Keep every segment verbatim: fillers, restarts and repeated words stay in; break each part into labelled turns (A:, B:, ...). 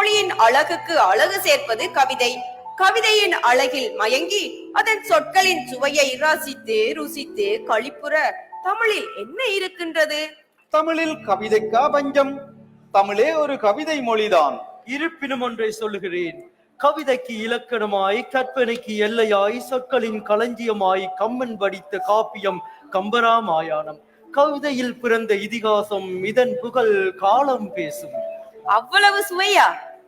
A: மொழியின் அழகுக்கு அழகு சேர்ப்பது கவிதை. கவிதையின் அழகில் மயங்கி அதன் சொற்களின் சுவையை ரசித்து ருசித்து களிப்புற தமிழில் என்ன இருக்கின்றது?
B: தமிழில் கவிதைக்கா பஞ்சம்? தமிழே ஒரு கவிதை மொழிதான்.
C: இருப்பினும் ஒன்றை சொல்லுகிறேன். கவிதைக்கு இலக்கணமாய், கற்பனைக்கு எல்லையாய், சொற்களின் களஞ்சியமாய் கம்மன் படித்த காப்பியம் கம்பராமாயணம். கவிதையில் பிறந்த இதிகாசம், இதன் புகழ் காலம் பேசும்.
A: அவ்வளவு சுவையா?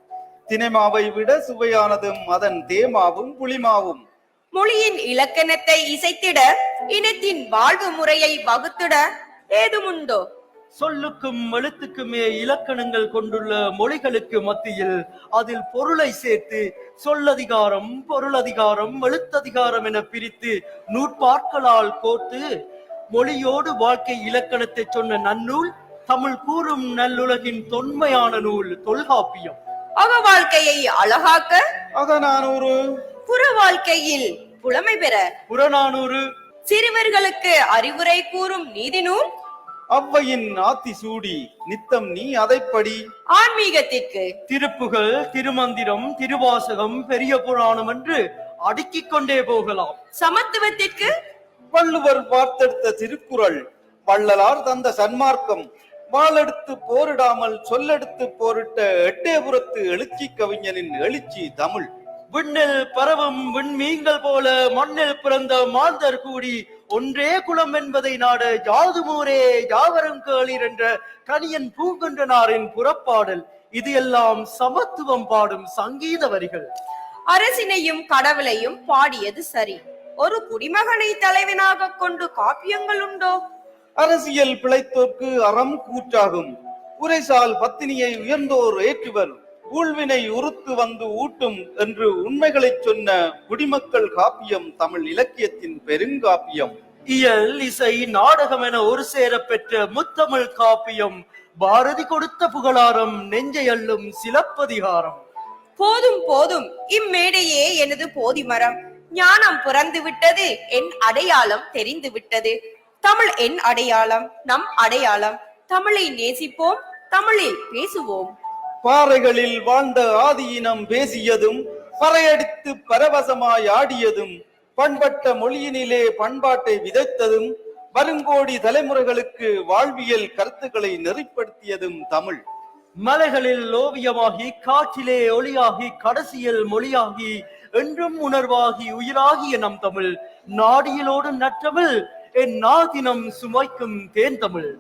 B: தினைமாவை விட சுவையானதும் அதன் தேமாவும் புளிமாவும்.
A: மொழியின் இலக்கணத்தை இசைத்திட, இனத்தின் வாழ்வு முறையை வகுத்திட ஏதுமுண்டோ?
C: சொல்லுக்கும் எழுத்துக்குமே இலக்கணங்கள் கொண்டுள்ள மொழிகளுக்கு மத்தியில் அதில் பொருளை சேர்த்து சொல்லதிகாரம், பொருளதிகாரம், எழுத்ததிகாரம் என பிரித்து நூற்பாட்களால் கோர்த்து மொழியோடு வாழ்க்கை இலக்கணத்தை சொன்ன நன்னூல் தமிழ் கூறும் நல்லுலகின் தொன்மையான நூல் தொல்காப்பியம்.
A: அக வாழ்க்கையை அழகாக்க
B: அகநானூறு,
A: புற வாழ்க்கையில் புலமை பெற
C: புறநானூறு,
A: சிறுவர்களுக்கு அறிவுரை கூறும் நீதி நூல்
B: அவ்வையின் ஆத்தி சூடி நித்தம் நீ அதைப்படி.
A: ஆன்மீகத்திற்கு
C: திருப்புகழ், திருமந்திரம், திருவாசகம், பெரிய புராணம் என்று அடுக்கிக் கொண்டே போகலாம்.
A: சமத்துவத்திற்கு
B: வள்ளுவர் பார்த்தெடுத்த திருக்குறள், வள்ளலார் தந்த சன்மார்க்கம், வாளெடுத்து போரிடாமல் சொல்லெடுத்து போரிட்ட எட்டயபுரத்து எழுச்சி கவிஞனின் எழுச்சி தமிழ்.
C: விண்ணில் பரவும் விண்மீன்கள் போல மண்ணில் பிறந்த மாந்தர் கூடி ஒன்றே குலம் என்பதை நாட யாதுமூரே யாவரும் கேளீர் என்ற கணியன் பூங்குன்றனாரின் புறப்பாடல். இது எல்லாம் சமத்துவம் பாடும் சங்கீத வரிகள்.
A: அரசினையும் கடவுளையும் பாடியது சரி. ஒரு குடிமகனை தலைவனாக கொண்டு காப்பியங்கள் உண்டோ?
B: அரசியல் பிழைத்தோர்க்கு அறம் கூற்றாகும். உரைசால் பத்தினியை உயர்ந்தோர் ஏற்றுவர், ஊழ்வினை உறுத்து வந்து ஊட்டும் என்று உண்மைகளை சொன்ன குடிமக்கள் காப்பியம் தமிழ் இலக்கியத்தின் பெருங்காப்பியம்.
C: இயல், இசை, நாடகம் என ஒரு சேர பெற்ற முத்தமிழ் காப்பியம் பாரதி கொடுத்த புகழாரம், நெஞ்சை அள்ளும் சிலப்பதிகாரம்.
A: போதும் போதும், இம்மேடையே எனது போதி மரம். ஞானம் பிறந்து விட்டது, என் அடையாளம் தெரிந்து விட்டது. தமிழ் என் அடையாளம், நம் அடையாளம். தமிழை நேசிப்போம், தமிழில் பேசுவோம்.
B: பாறைகளில் வாழ்ந்த ஆதியினம் பேசியதும், பறையடித்து பரவசமாய் ஆடியதும், பண்பட்ட மொழியினிலே பண்பாட்டை விதைத்ததும், வருங்கோடி தலைமுறைகளுக்கு வாழ்வியல் கருத்துக்களை நெறிப்படுத்தியதும் தமிழ்.
C: மலைகளில் ஓவியமாகி, காற்றிலே ஒளியாகி, கடைசியில் மொழியாகி, என்றும் உணர்வாகி உயிராகிய நம் தமிழ். நாடியிலோடு நற்றமிழ், என் நாதினம் சுமைக்கும் தேன் தமிழ்.